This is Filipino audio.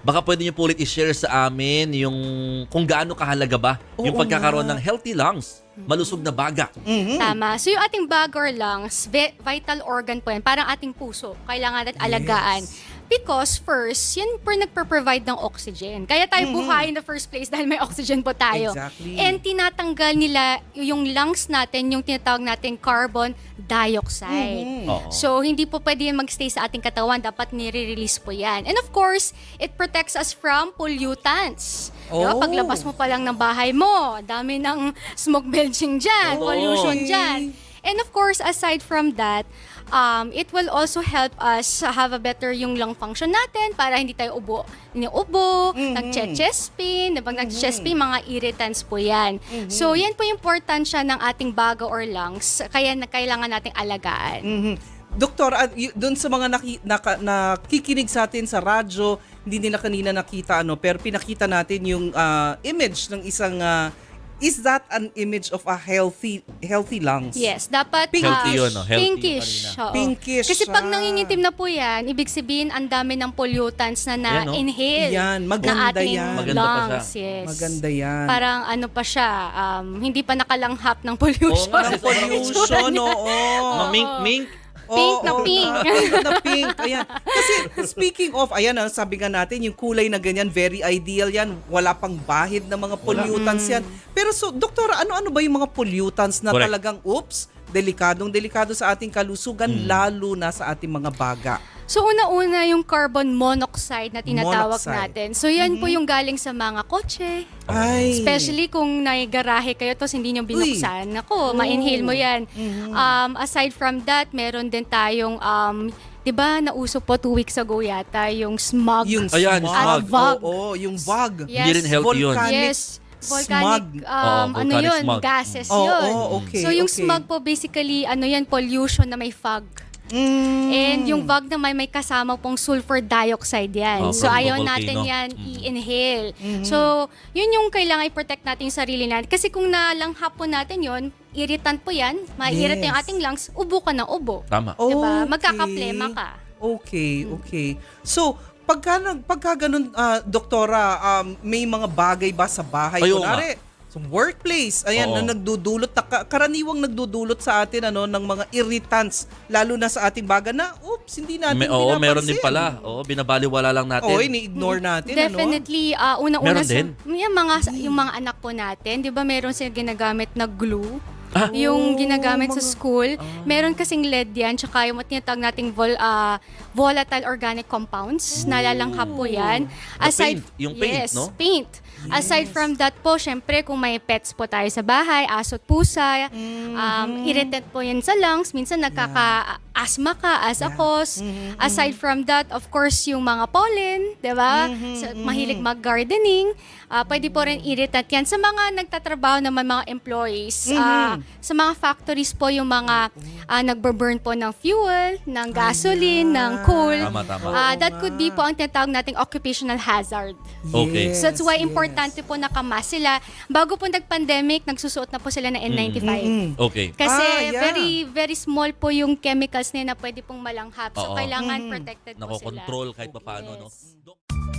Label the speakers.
Speaker 1: Baka pwede niyo po ulit i-share sa amin yung kung gaano kahalaga ba yung
Speaker 2: Oo
Speaker 1: pagkakaroon
Speaker 2: nga.
Speaker 1: ng healthy lungs, malusog na baga.
Speaker 3: Tama. So yung ating baga or lungs, vital organ po yan. Parang ating puso. Kailangan natin alagaan. Because first, yan po nagpro-provide ng oxygen. Kaya tayo buhay in the first place dahil may oxygen po tayo.
Speaker 2: Exactly.
Speaker 3: And tinatanggal nila yung lungs natin, yung tinatawag natin carbon dioxide.
Speaker 1: Oo.
Speaker 3: So, hindi po pwede yan mag-stay sa ating katawan. Dapat nire-release po yan. And of course, it protects us from pollutants. Diba?
Speaker 2: Oh.
Speaker 3: Paglabas mo pa lang ng bahay mo, dami ng smoke belching dyan,
Speaker 1: Oo.
Speaker 3: pollution dyan. And of course, aside from that, it will also help us have a better yung lung function natin para hindi tayo iniubo, nag-chest pain, diba? Nag-chest pain, mga irritants po yan. So, yan po yung importansya ng ating baga or lungs, kaya kailangan nating alagaan.
Speaker 2: Doktor, doon sa mga nakikinig sa atin sa radyo, hindi nila kanina nakita pero pinakita natin yung image ng isang is that an image of a healthy lungs?
Speaker 3: Yes, dapat
Speaker 1: Healthy yun, no? Healthy
Speaker 3: pinkish.
Speaker 1: kanina.
Speaker 3: Oo.
Speaker 2: Pinkish
Speaker 3: Kasi pag
Speaker 2: siya.
Speaker 3: nangingitim na po yan, ibig sabihin ang dami ng pollutants na
Speaker 1: Ayan, no?
Speaker 3: na-inhale
Speaker 2: Yan, maganda
Speaker 3: na ating
Speaker 2: yan.
Speaker 1: Maganda pa
Speaker 3: lungs. Yes.
Speaker 2: Maganda yan.
Speaker 3: Parang ano pa siya, hindi pa nakalanghap ng pollution.
Speaker 1: Oo nga,
Speaker 2: Ng pollution, oo.
Speaker 1: Mamink-mink.
Speaker 3: Pink na
Speaker 2: Oo,
Speaker 3: pink.
Speaker 2: na pink. Ayan. Kasi speaking of, ayan, sabi nga natin, yung kulay na ganyan, very ideal yan. Wala pang bahid na mga pollutants yan. Pero so, doktora, ano-ano ba yung mga pollutants na
Speaker 1: Correct.
Speaker 2: talagang, delikado sa ating kalusugan, lalo na sa ating mga baga?
Speaker 3: So una-una yung carbon monoxide na tinatawag
Speaker 2: Monoxide.
Speaker 3: natin. So yan po yung galing sa mga kotse.
Speaker 2: Ay.
Speaker 3: Especially kung naigarahe kayo tapos hindi nyo binuksan. Ako, ma-inhale mo yan. Aside from that, meron din tayong, di ba nauso po 2 weeks ago yata, yung smog.
Speaker 2: Yung
Speaker 1: Ayan,
Speaker 2: smog.
Speaker 1: smog.
Speaker 3: Vog.
Speaker 2: Oo, yung vog.
Speaker 3: Yes.
Speaker 1: Hindi rin healthy yun.
Speaker 2: Volcanic
Speaker 3: Yes. Volcanic,
Speaker 2: smog.
Speaker 3: ano
Speaker 1: volcanic
Speaker 3: yun,
Speaker 1: smog.
Speaker 3: gases
Speaker 2: Oo,
Speaker 3: yun.
Speaker 2: okay,
Speaker 3: So yung
Speaker 2: okay.
Speaker 3: smog po basically, ano yan, pollution na may fog. And yung fog naman may kasama pong sulfur dioxide yan.
Speaker 1: Oh,
Speaker 3: So
Speaker 1: from
Speaker 3: ayaw
Speaker 1: the
Speaker 3: natin
Speaker 1: volcano.
Speaker 3: yan i-inhale. So yun yung kailangan i-protect natin yung sarili natin. Kasi kung nalanghap po natin yun, irritant po yan, ma-irritate yung
Speaker 2: Yes.
Speaker 3: ating lungs, ubo ka na ubo.
Speaker 1: Tama.
Speaker 3: Diba?
Speaker 2: Okay.
Speaker 3: Magkakaplema ka.
Speaker 2: Okay. So, pagka ganun, doktora, may mga bagay ba sa bahay?
Speaker 1: Ayaw
Speaker 2: Kunwari, sa workplace, ayan,
Speaker 1: Oo.
Speaker 2: na nagdudulot, karaniwang nagdudulot sa atin ng mga irritants, lalo na sa ating baga na, hindi natin
Speaker 1: Oo,
Speaker 2: pinapansin.
Speaker 1: meron din pala. Oo, binabaliwala lang natin.
Speaker 2: Oo, ini-ignore natin,
Speaker 3: Definitely, unang-una
Speaker 1: Meron din?
Speaker 3: yung mga anak po natin, di ba meron silang ginagamit na glue?
Speaker 1: Ah.
Speaker 3: Yung ginagamit sa school. Meron kasing lead yan, tsaka yung tinatawag nating volatile organic compounds, nalalanghap po yan.
Speaker 1: paint, yung paint,
Speaker 3: yes,
Speaker 1: no?
Speaker 3: paint. Aside from that po, syempre kung may pets po tayo sa bahay, aso at pusa, irritant po yan sa lungs, minsan nagkaka-asthma ka as a cause. Aside from that, of course, yung mga pollen, di ba? Mahilig mag-gardening, pwede po rin irritant yan. Sa mga nagtatrabaho naman mga employees, sa mga factories po yung mga nagburn po ng fuel, ng gasoline, ng coal.
Speaker 1: Tama.
Speaker 3: That could be po ang tinatawag nating occupational hazard.
Speaker 1: Okay.
Speaker 3: So that's why importante po nakamas sila. Bago po nag-pandemic, nagsusuot na po sila ng N95.
Speaker 1: Okay.
Speaker 3: Kasi
Speaker 2: yeah.
Speaker 3: very, very small po yung chemicals na pwede pong malanghap. So
Speaker 1: Oo.
Speaker 3: kailangan protected po sila.
Speaker 1: Nako-control kahit papaano, no?
Speaker 3: Yes.